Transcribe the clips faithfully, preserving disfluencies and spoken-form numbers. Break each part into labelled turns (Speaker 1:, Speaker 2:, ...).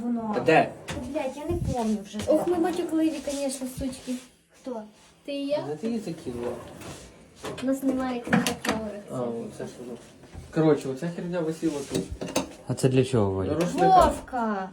Speaker 1: воно.
Speaker 2: Де?
Speaker 1: Блять, я не помню вже.
Speaker 3: Ох, ми матюкливі, звісно, сучки.
Speaker 1: Хто?
Speaker 3: Ти і я?
Speaker 2: Де ти її закинула?
Speaker 3: У нас немає книгофлори.
Speaker 2: А, оце що воно. Коротше, оця херня висіла тут.
Speaker 4: А це для чого, Валя?
Speaker 2: Рушника.
Speaker 3: Вовка!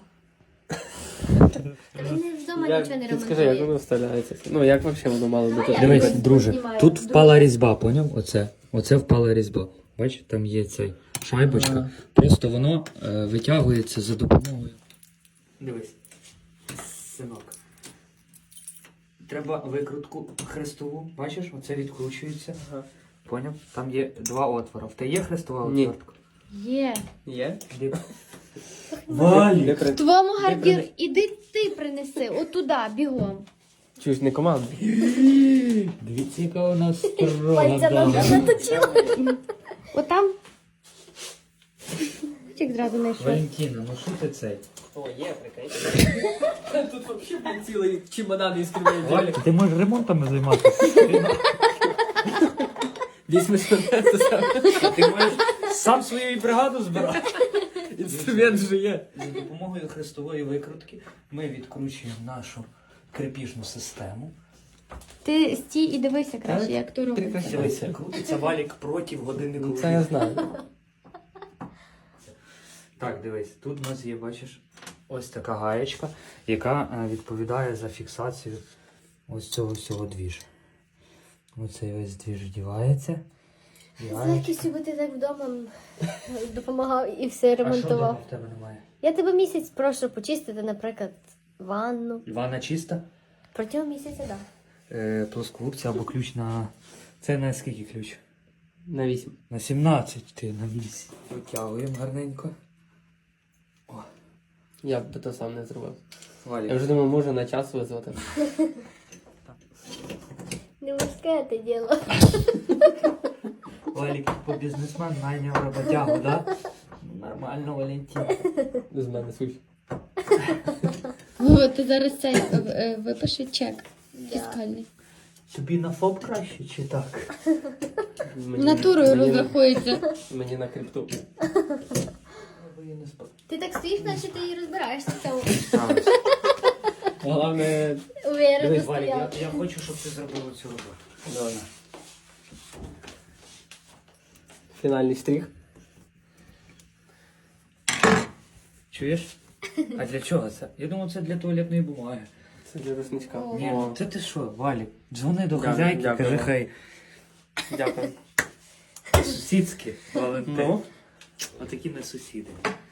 Speaker 3: Та він вдома
Speaker 2: Як-
Speaker 3: нічого не
Speaker 2: ти скажи, як воно
Speaker 3: ремонтує.
Speaker 2: вставляється? Ну, як взагалі воно мало бути?
Speaker 4: Дивись,
Speaker 3: Ось
Speaker 4: друже,
Speaker 3: знімаю.
Speaker 4: тут
Speaker 3: Дуже.
Speaker 4: впала різьба, поняв? Оце. Оце впала різьба. Бачиш, там є цей шайбочка.
Speaker 2: Ага.
Speaker 4: Просто воно е, витягується за допомогою. Дивись, синок. Треба викрутку хрестову. Бачиш, оце відкручується.
Speaker 2: Ага.
Speaker 4: Поняв? Там є два отвори. В те є хрестова
Speaker 2: Ні.
Speaker 4: отвертка?
Speaker 3: Є.
Speaker 2: Є?
Speaker 4: Де-
Speaker 2: Де
Speaker 4: Валі!
Speaker 2: при-
Speaker 3: В твоєму
Speaker 2: Де
Speaker 3: гардір
Speaker 2: при-
Speaker 3: іди ти принеси, отуда, бігом.
Speaker 2: Чуєш, не команда.
Speaker 4: Дивіться, яка у нас строга
Speaker 3: Пальця
Speaker 4: дама.
Speaker 3: наточила. Отам. Чик зразу знайшов.
Speaker 4: Валентина, ну що ти цей?
Speaker 2: О, є, прикинь. Тут взагалі цілий чемодан із кривої.
Speaker 4: Валік, ти можеш ремонтами займатися.
Speaker 2: Візьми інструмент,
Speaker 4: Ти можеш сам свою бригаду збирати.
Speaker 2: інструмент вже є.
Speaker 4: За допомогою хрестової викрутки ми відкручуємо нашу крепіжну систему.
Speaker 3: Ти стій і дивися краще,
Speaker 4: Так.
Speaker 3: як то робиться.
Speaker 4: Дивися, крутиться валік проти годиннику.
Speaker 2: Ну, це я знаю.
Speaker 4: Так, дивись, тут у нас є, бачиш, ось така гаєчка, яка е, відповідає за фіксацію ось цього всього двіжу. Оцей весь двіж вдівається. І
Speaker 3: З
Speaker 4: гаєчка.
Speaker 3: легкістю би ти так вдома допомагав і все
Speaker 4: А що вдома
Speaker 3: ремонтував.
Speaker 4: в тебе немає?
Speaker 3: Я тебе місяць прошу почистити, наприклад, ванну.
Speaker 4: Ванна чиста?
Speaker 3: Протягом місяця, так. Да.
Speaker 4: Е, плоскогубця або ключ на... Це на скільки ключ?
Speaker 2: На вісім.
Speaker 4: На сімнадцять, ти на вісім. Витягуємо гарненько.
Speaker 2: Я б то сам не зробив. Я
Speaker 4: Валік.
Speaker 2: вже думав, може на час визвати.
Speaker 3: Не мужське те діло.
Speaker 4: Валік, по бізнесмен найняв роботягу, да? Ну, нормально, Валентин.
Speaker 2: Без мене суть.
Speaker 3: О, ти зараз цей е, випиши чек фіскальний.
Speaker 4: Тобі на ФОП краще чи так?
Speaker 2: Мені-
Speaker 3: Натурою
Speaker 2: мені-
Speaker 3: розрахується.
Speaker 2: Мені на крипту.
Speaker 3: Ти так стоїш, наче ти і розбираєшся в цьому.
Speaker 2: Головне...
Speaker 3: Уверено
Speaker 4: Дивись, Валік, я,
Speaker 3: стояв.
Speaker 4: я хочу, щоб ти зробив цю роботу.
Speaker 2: Давай. Фінальний штрих.
Speaker 4: Чуєш? А для чого це? Я думав, це для туалетної бумаги.
Speaker 2: Це для рушничка.
Speaker 3: О.
Speaker 4: Ні,
Speaker 2: О,
Speaker 4: це ти що, Валік? Дзвони до
Speaker 2: Дякую,
Speaker 4: хазяйки,
Speaker 2: дякую.
Speaker 4: кажи, хай
Speaker 2: Дякую.
Speaker 4: сусідські, Валентин.
Speaker 2: Ну?
Speaker 4: Отакі ми сусіди.